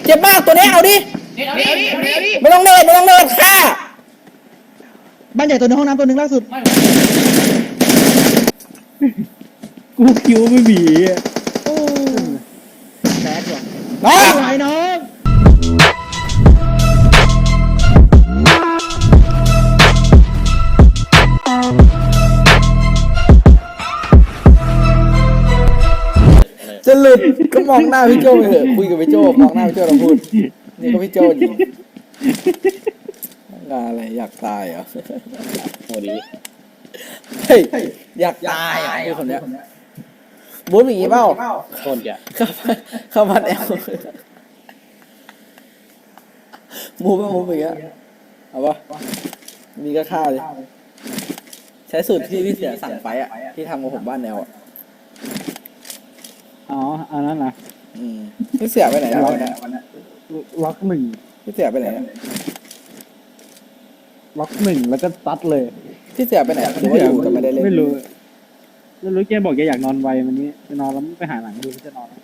เจ็บมากตัวนี้เอาดิไม่ต้องเนินฆ่าบ้านใหญ่ตัวนึงห้องน้ำตัวนึงล่าสุดกูคิวไม่มีโอ้แตกว่ะน้องไหวน้องจะหลุดก็มองหน้าพี่โจไปเถอะคุยกับพี่โจมองหน้าพี่โจเราพูดนี่ก็พี่โจอยู่งานอะไรอยากตายเหรอโหดีเฮ้ยอยากตายอ่ะคนเนี้ยบู๊อย่างงี้เปล่าโคตรจะเข้ามาแอลมูอย่างเงี้ยเอาปะมีก็ฆ่าเลยใช้สูตรที่พี่เสียสั่งไปอ่ะที่ทำกับผมบ้านแนวอ่ะอ๋ออันนั้นนะพี่เสียไปไหนแล้วล็อกหนึ่งพี่เสียไปไหนล็อกหนึ่งแล้วก็ซัดเลยพี่เสียไปไหนหรือว่าอยู่แต่ไม่ได้เล่นไม่รู้แกบอกแกอยากนอนไววันนี้จะนอนแล้วไปหาหนังดูจะนอน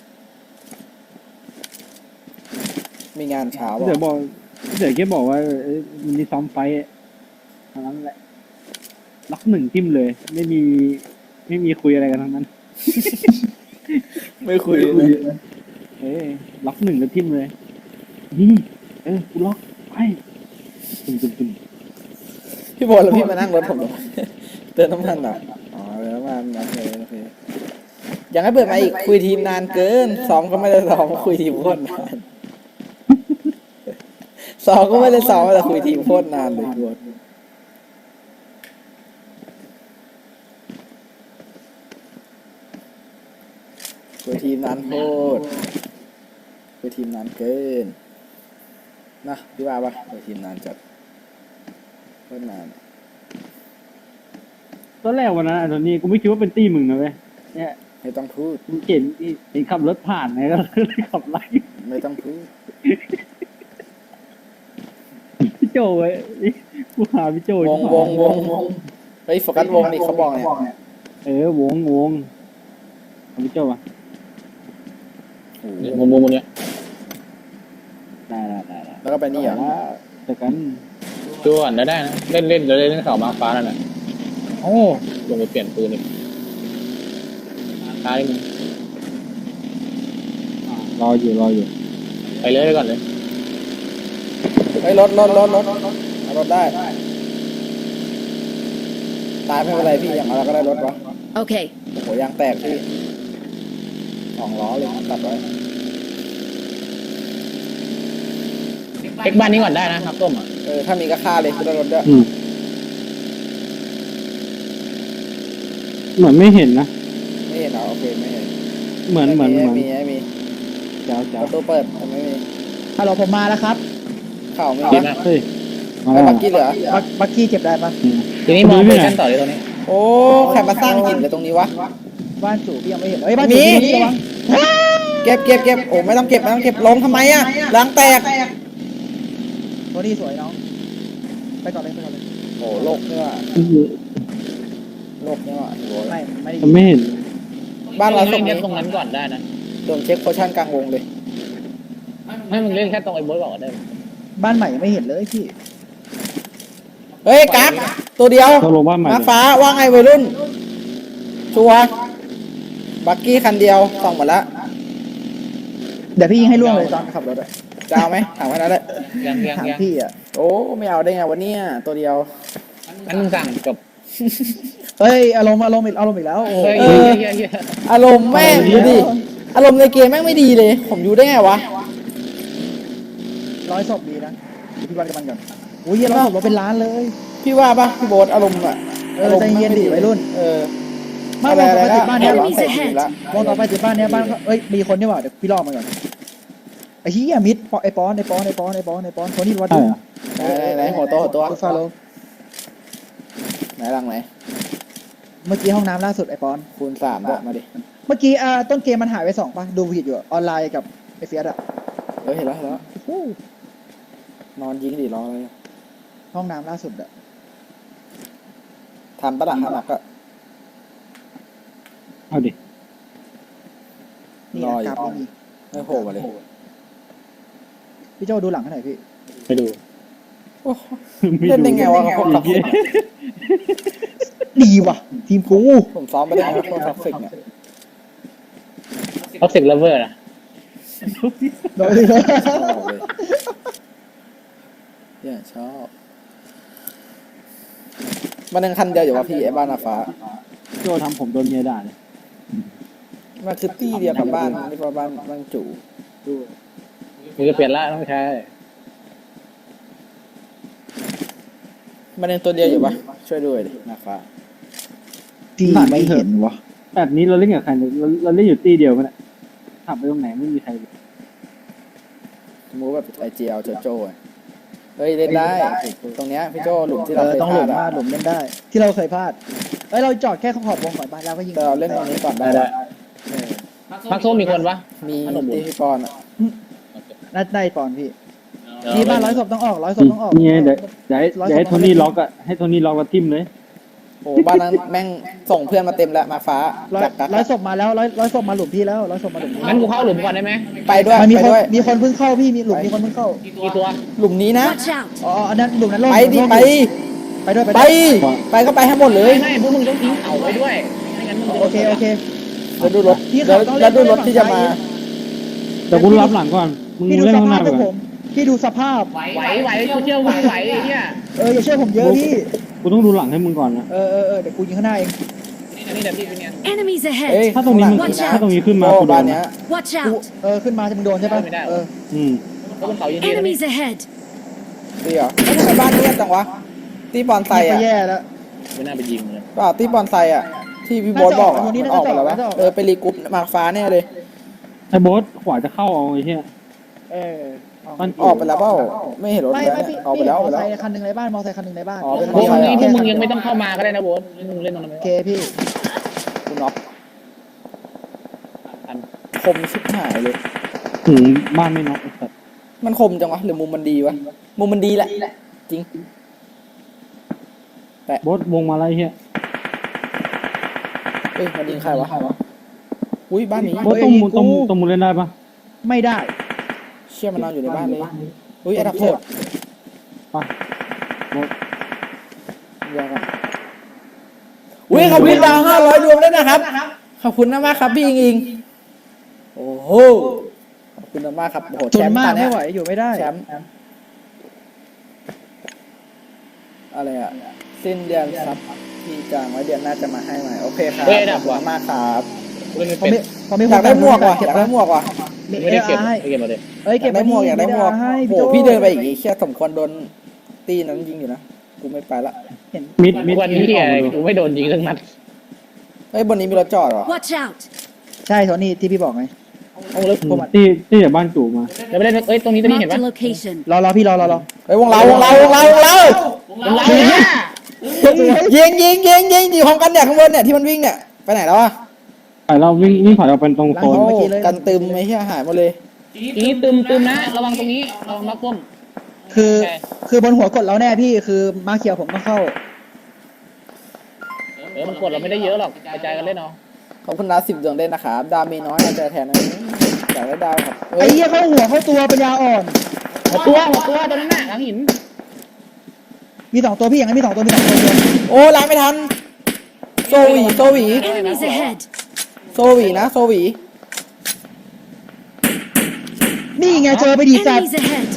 มีงานเช้าเดี๋ยวแกบอกว่ามันมีซ้อมไฟอันนั้นแหละล็อกหนึ่งทิมเลยไม่มีคุยอะไรกันทั้งนั้นไม่คุยล็อกหนึ่งแล้วทิมเลยนี่กูล็อกไปตึมพี่บอลแล้วพี่มานั่งรถผมเติมน้ำมันอ่ะอ๋อเติมน้ำมันโอเคยังให้เปิดมาอีกคุยทีมนานเกินซ้อมก็ไม่ได้ซ้อมคุยทีมโคตรนานซ้อมก็ไม่ได้ซ้อมแต่คุยทีมโคตรนานเลยบอลคุยทีมนานโคตรคุยทีมนานเกินนะพี่ว่าปะคุยทีมนานจัดโคตรนานตอนแรกวันนั้นตอนนี้กูไม่คิดว่าเป็นตี้มึงนะเว้ยเนี่ยไม่ต้องพูดมึงเห็นขับรถผ่านไงก็เลยขับไล่ไม่ต้องพูดพี่โจเว้ยกูหาพี่โจวงเฮ้ยโฟกัสวงนี่เขาบอกเนี่ยวงพี่โจป่ะวงเนี่ยได้แล้วก็ไปนี่เหรอแต่กันตัวอ่อนได้นะเล่นเสามาฟ้านั่นแหละโอ้ลงไปเปลี่ยนปืนอีกตายมึงรออยู่ไปเลยก่อนเลยเฮ้ยรถเอารถได้ตายไม่เป็นไรพี่อย่างเราก็ได้รถวะโอเคโหยางแตกพี่2 ล้อเลยตัดไว้เอ็กบ้านนี้ก่อนได้นะครับต้มถ้ามีก็ฆ่าเลยคือได้รถด้วยเหมือนไม่เห็นนะไม่เห็นเหรอโอเคไม่เห็นเหมือนมีเจ้าประตูเปิดไม่มีฮัลโหลผมมาแล้วครับเข่าไม่มีเฮ้ยบักกี้เหลือบักกี้เจ็บได้ปะทีนี้มองไปชั้นต่อเลยตรงนี้โอ้ใครมาสร้างหินเลยตรงนี้วะบ้านจู่พี่ยังไม่เห็นบ้านจู่นี่ระวังเก็บโอ้ไม่ต้องเก็บลงทำไมอ่ะล้างแตกตัวนี้สวยน้องไปก่อนเลยโอ้โลกเนี่ยไม่เห็นบ้านเราส่งแค่ตรงนั้นก่อนได้นะโดนเช็คโพชั่นกลางวงเลยให้มึงเล่นแค่ตรงไอ้โบ๊ทก่อนได้บ้านใหม่ยังไม่เห็นเลยพี่เฮ้ยกั๊กตัวเดียวมาฟ้าว่าไงวัยรุ่นชัวบักกี้คันเดียวส่องหมดแล้วเดี๋ยวพี่ยิงให้ล่วงเลยตอนขับรถเลยจะเอาไหมถามแค่นั้นแหละถามพี่อ่ะโอ้ไม่เอาได้ไงวันนี้ตัวเดียวงั้นมึงสั่งจบเฮ้ยอารมณ์อีกแล้วโอ้อารมณ์แม่งดูดิอารมณ์ในเกมแม่งไม่ดีเลยผมอยู่ได้ไงวะ 100 ศพดีนะพี่วันกับมันก่อนโอ้ย100 ศพเราเป็นล้านเลยพี่ว่าป่ะพี่โบ๊ทอารมณ์อะใจเย็นดิวัยรุ่นมาวงต่อไปติดบ้านเนี้ยวงต่อไปติดบ้านเนี้ยบ้านเอ้ยมีคนนี่หว่าเดี๋ยวพี่ล่อมาก่อนไอ้เหี้ยมิดไอ้ปอนคนนี้วัดไหนหัวตัวฟาโลไหนหลังไหนเมื่อกี้ห้องน้ำล่าสุดไอ้ปอนคูณ3ด้วยมาดิเมื่อกี้ต้นเกมมันหายไป2ป่ะดูผิดอยู่ออนไลน์กับไอเฟียสอะเห็นแล้วนอนยิงดิรออะไรห้องน้ำล่าสุดอะทำปะล่ะหนักก็เอาดิรออยู่ไม่โผล่มาเลยพี่โจดูหลังให้หน่อยพี่ไปดูโอ้เล่นได้ไงวะพวกท็อกซิกดีว่ะ ทีมกูผมซ้อมไปได้ไงวะพวกท็อกซิกเนี่ยท็อกซิกเลเวอร์นะโดยเลยชอบเลยเนี่ยชอบมันยังคันเดียวอยู่วะพี่ไอ้บ้านอาฟ้าโจทำผมโดนเมียด่าเลยมันคือตี้เดียวกับบ้านนี่ว่าบ้านจู่มีก็เปลี่ยนละต้องใช้มันยังตัวเดียวอยู่ปะช่วยด้วยดิอาฟ้าพี่ไม่เห็นวะแบบนี้เราเล่นกับใครเนี่ยเราเล่นอยู่ตีเดียวกันเนี่ยขับไปตรงไหนไม่มีใครเลยสมมติแบบไอเจียวโจโจ้อะเฮ้ยเล่นได้ตรงเนี้ยพี่โจหลุมที่เอเราอเคยต้องพหลุลาดมอะมาหลุมเล่นได้ ที่เราเคยพลาดเอ้ยเราจอดแค่ขอบวงก่อนบ้านแล้วก็ยิงแต่เราเล่นตรงนี้ก่อนได้ได้เออพักส้มมีคนปะมีตีพี่ปอนอะน่าได้ปอนพี่นี่บ้านร้อยศพต้องออกร้อยศพต้องออกนี่ไงเดี๋ยวให้โทนี่ล็อกอะให้โทนี่ล็อกกับทิมเลยโอ้บ้านนั้นแม่งส่งเพื่อนมาเต็มแล้วมาฟ้าร้อยจักกักร้อยศพมาแล้วร้อยศพมาหลุมพี่แล้วร้อยศพมาหลุมพี่งั้นกูเข้าหลุมก่อนได้ไหมไปด้วยมันมีไปคนด้วยมีคนเพิ่งเข้าพี่มีหลุมมีคนเพิ่งเข้ากี่ตัวหลุมนี้นะ Watch out! อ๋ออันนั้นหลุมนั้นโล่งไปดิโล่งไปไปด้วยไปด้วยไปก็ไปให้หมดเลยไม่พวกมึงต้องทิ้งเขาไว้ด้วยไม่งั้นมึงโอเคโอเคแล้วดูรถพี่แล้เขาวต้องเล่นแล้วดูรถฝั่งที่จะมาซ้ายแต่กูรับหลังก่อนมึงพี่ดูเล่นสข้างหภาน้าพไปพวกก่ผอนมพี่ดูสภาพไหวกูเชื่อมึงไหวไอ้เนี่ยอย่าเชื่อผมเยอะพี่กูต้องดูหลังให้มึงก่อนนะเดี๋ยวกูยิงข้างหน้าเองนี่เดี๋ยวพี่เป็นเนี่ย Enemies เอ้ย ahead! ถ้าตรงนี้มึง Watch out ถ้าตรงนี้ขึ้นมาโอ้กูโดบ้านนเนี้ย Watch กู out! ขึ้นมาจะมึงโดนใช่ปะไม่ได้อืมเพราะบนเขาเย็นๆนะ Enemies ahead! ตีเหรอเอ้ยทำไมบ้านเงียบจังวะตีบอลไซไปอะแย่แล้วไม่น่าไปยิงเลยเปล่าตีบอลไซอะที่พี่โบ๊ทบอกอะน่าจะออกวันนี้มันออกไปแล้ววะน่าจะออกไปรีกรุ๊ปมาฟ้าแน่เลยไอ้โบ๊ทขวาจะเข้าเอาไอ้เหี้ยเออมันออกไปแล้วเปล่าไม่เห็นรถไม่เลยไม่เนี่ยพี่ออกไปพี่แล้วอมอกอไปไซแล้วค์คันหนึ่งในบ้านมอไซค์คันหนึ่งในบ้านอ๋อเป็นพวกมอไซค์นี้เหรอพวกมึงยังไม่ต้องเข้ามาก็ได้นะโบ๊ทมึงเล่นตรงนั้นโอเคพี่คุณน็อกคมชิบหายเลยถึงบ้านไม่น็อกไอ้สัตว์มันคมจังวะหรือมุมมันดีวะมุมมันดีแหละจริงโบ๊ทวงมาแล้วไอ้เหี้ยเอ้ยมันยิงใครวะอุ้ยบ้านนี้โบ๊ทต้องมุนต้องมุนเล่นได้ปะไม่ได้เชี่ยมันนอนอยู่ในบ้านเลยอุ้ยไอ้ดักโทษปะโบ๊ทเดี๋ยวก่อนอุ้ยขอบคุณดาว500ดวงด้วยนะครับขอบคุณมากครับพี่อิงโอ้โหขอบคุณมากครับโอ้โหจแชนมป์มากตอนเนี้ไม่ยไหวอยู่ไม่ได้แชมป์อะไรอ่ะสิ้นเดือนครับพี่จางไว้เดือนหน้าจะมาให้ใหม่โอเคครับขอบคุณมากครับเล่นไม่พอเป็นไม่พอไม่อยากได้หมวกว่ะเก็อบ ยากได้หมวกว่ะไม่ได้เก็บไม่เก็บมาเลยเอ้ยอยาเก็บกได้หมวกอยากได้หมวกให้โอ้โหพี่เดินไปอีกแค่สมควรโดนตีนั้นยิงอยู่นะกูไม่ไปละเห็นมิดวันนี้ออกมาดูกูไม่โดนยิงทั้งนัดเฮ้ยบนนี้มีรถจอดเหรอ Watch out! ใช่โทนี่ที่พี่บอกไงเอาเลยที่จากบ้านจู่มาเดี๋ยวไปเล่นเอ้ยตรงนี้เห็น Marked ปะ a location. รอพี่รอเฮ้ยวงเรายิงพร้อมกันเนี่ยข้างบนเนี่ยที่มันวิ่งเนี่ยไปไหนแล้วอ่ะไปเราวิ่งผ่านเราเป็นตรงโซนโอ้กันตึมไม่ใช่หายหมดเลยทีนี้ตึมนะระวังตรงนี้ระวังมักส้มคือบนหัวกดเราแน่พี่คือมาเขียวผมต้องเข้ามันกดเราไม่ได้เยอะหรอกกระจายกันเล่นเอาขอบคุณนะ10 ดวงเด่นนะครับดาวมีน้อยเอาใจแทนนะอยากได้ดาวครับไอ้เหี้ยเข้าหัวเข้าตัวปัญญาอ่อนหัวตัวตรงนั้นน่ะหลังหินมี2ตัวพี่อย่างนั้นมี2ตัวเดียวโอ้ล้างไม่ทันโซวี Enemies ahead! โซวีนะโซวีนี่ไงเจอไปดีจัด Enemies ahead!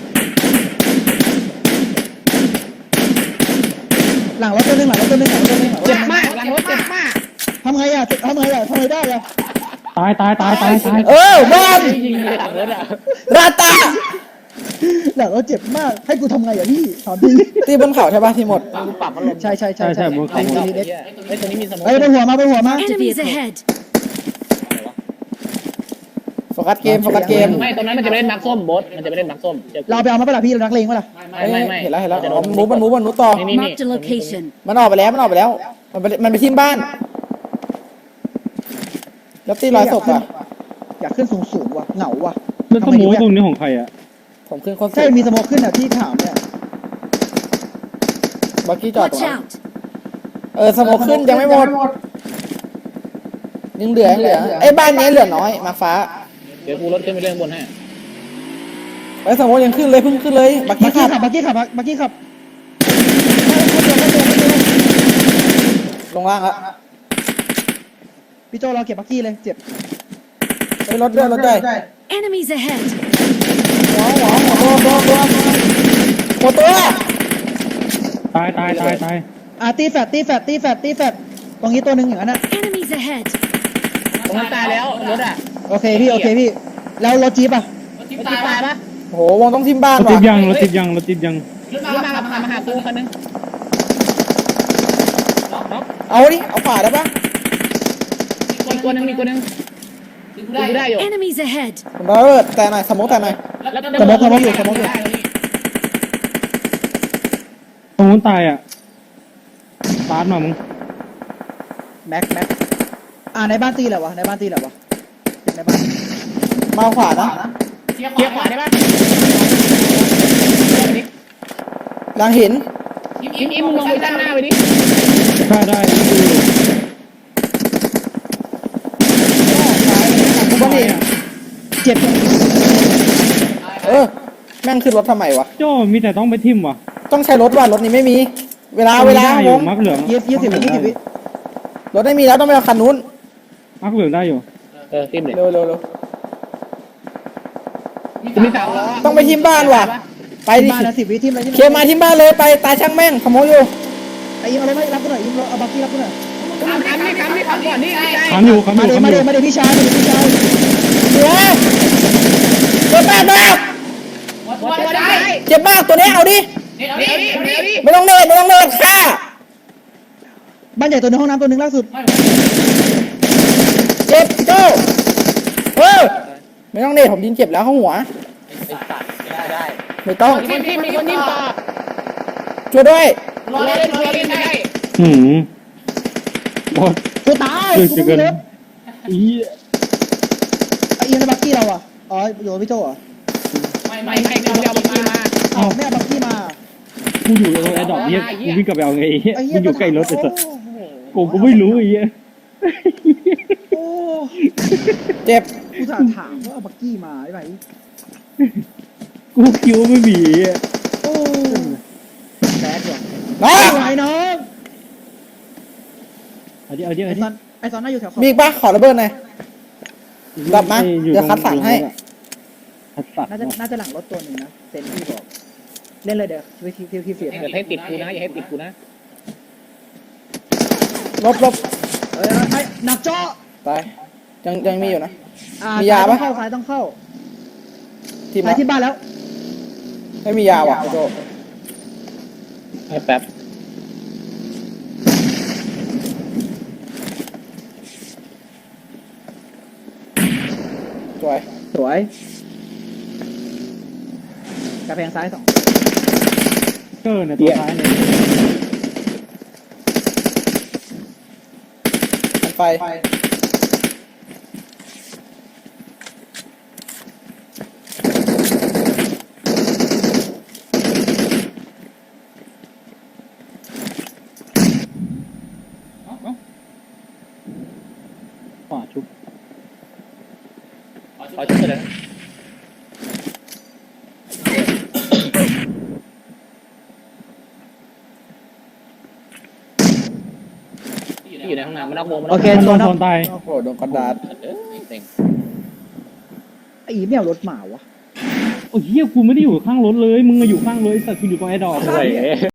หลังรถตัวหนึงเจ็บมากหลังรถเจ็บมากทำไงได้อะตายบ้านยิงเลยหลังรถอ่ะราตาหลังรถเจ็บมากให้กูทำไงอะพี่ถามพี่ตีบนเขาใช่ป่ะที่หมดกูปรับมันลงใช่บนเขาไอ้ตัวนี้มีสมองเฮ้ยบนหัวมา Enemies ahead! โฟกัสเกมไม่ตรงนั้นมันจะไปเล่นมักส้มบอสมันจะไปเล่นมักส้มเราไปเอามาปะล่ะพี่เรานักเลงปะล่ะไม่เห็นแล้วอ๋อมันมูฟต่อ Marked a location. มันออกไปแล้วมันไปทิ้งบ้าน แล้วตีร้อยศพอ่ะอยากขึ้นสูงว่ะเหงาว่ะแล้วต้นหมูตรงนี้ของใครอ่ะผมขึ้นคนสุใช่ดมีสโมกขึ้นอ่ะที่ถามเนี่ยบักกี้จอดตรง Watch นั้น out! สโมกขึ้นยังไม่หมดยังเหลือไอ้บ้านนี้เหลือน้อยมาฟ้าเดี๋ยวกูรถขึ้นไปเล่นบนให้ไอ้ยสมมติยังขึ้นเลยเพิ่งขึ้นเลยบักบักี้กขักี้บขับบักกี้ขับลงล่างแล้วพี่โจเราเก็บบักกี้เลยเจ็บไอ้ยรถด้วยรถด้วย Enemies ahead! หัวตัวตายตายตายตายตีแฟดตรงนี้ตัวหนึ่งอย่างนั้นนะ Enemies ahead! ตรงนั้นตายแล้วรถอ่ะโอเคพี่แล้วรถจี๊ปอ่ะรถตายปะโอ้โหวงต้องทิมบ้านรถติว่ะดยังรถติดยังรถติดยังรถมาหากูคันนึงเอาดิเอาขวาได้ปะมีตัวนึงดูได้อยู่ Enemies ahead! ผมระเบิดแต่หน่อยสมมติแต่หน่อยสมองอยู่ตรงนู้นตายอ่ะตาร์ทมามึงแม็กในบ้านตีแหละวะในบ้านในบ้านมาขวานะเกียร์ขวาได้ปะหลังหินอิมมึงลงไปด้านหน้าไปดิได้ได้กูบ้านหินเจ็บแม่งขึ้นรถทำไมวะโจ้มีแต่ต้องไปทิมว่ะต้องใช้รถว่ะรถนี้ไม่มี เวลาได้วอยู่งมักเหลือง 20 วิรถไม่มีแล้วต้องไปเอาคันนู้นมักเหลืองได้อยู่ติมเลยเร็วกูมีสามล้อต้องไปทิมบ้านว่ะไปดิบ้านนะ10 วิทีมอะไรที่เคลียร์มาทิมบ้านเลยไปตายช่างแม่งสมมติอยู่ไอ้ยิงเอารถมารับกูหน่อยยิงเอาบักกี้รับกูหน่อยทำก่อนนี่ไงคำอยู่คำอมายู่เดี๋ยวคำมาอเดี๋ยยู่วมาเดี๋ยวพี่ชายเดี๋ยวตัวแปดมากตัวได้เจ็บมากตัวนี้เอาดิเดี๋ยวดิไม่ต้องเนินฆ่าบ้านใหญ่ตัวนึงห้องน้ำตัวนึงล่าสุดเจ็บโจ้ไม่ต้องเนินผมยิงเจ็บแล้วเข้าหัวไม่ต้องมีคนนิ่มต่อช่วยด้วยรอเล่นได้หืมบอสกูตายช่วยกูจะไม่เกินมีรถอีไอ้ยิงในบักกี้เราอ่ะอ๋ออยู่กับพี่โจอ่ะไม่กูเอาบักกี้มาอ้าวไม่เอาบักกี้มากูอยู่ตรงแอร์ดรอปเนี่ยกูวิ่งกลับไปเอาไงไอ้เหี้ยไอ้เหี้มึงอยู่ใกล้รถไอ้สัสโอ้โหกูไม่รู้ไอ้เหี้ยโอ้เจ็บกูถามว่าเอาบักกี้มาไอ้ไหนกูคิดวาไม่มีไอ้เหี้ยโอ้แบดว่ะน้องไอ้น้องเอาดิเอาดิไอ้เอาดิซอนไอ้ซอนน่าอยู่แถวขอบมีอีกปะขอระเบิดหน่อย ดับมาอยู่เดี๋ยวคัดสรรให้คัดสรรน่าจะหลังรถตัวหนึ่งนะเซนที่บอกเล่นเลยเดี๋ยวที่เสียอย่าให้ติดกูนะอย่าให้ติดกูนะลบไอ้หนักเจาะตายยังมีอยู่นะ มีซ้ยาปะซ้ายต้องเข้าทีมซ้ายที่บ้านแล้วไม่มียาว่ะไอ้โจให้แป๊บสวยสวยกระแพงซ้าย2 เกอร์เนี่ยตัวท้ายเนี่ยอันไฟขวาชุบขอช่วยเลยที่อยู่ในห้องน้ำมันนอกวงมันโอเคโดโซนนโดนตายโอ้โหโดนกระดาษเต็งไอ้อีไม่เอารถหมาวะโอ้ยเหี้ยกูไม่ได้อยู่ข้างรถเลยมึงอะอยู่ข้างรถแต่กูอยู่ตรงแอร์ดรอปโอ้ย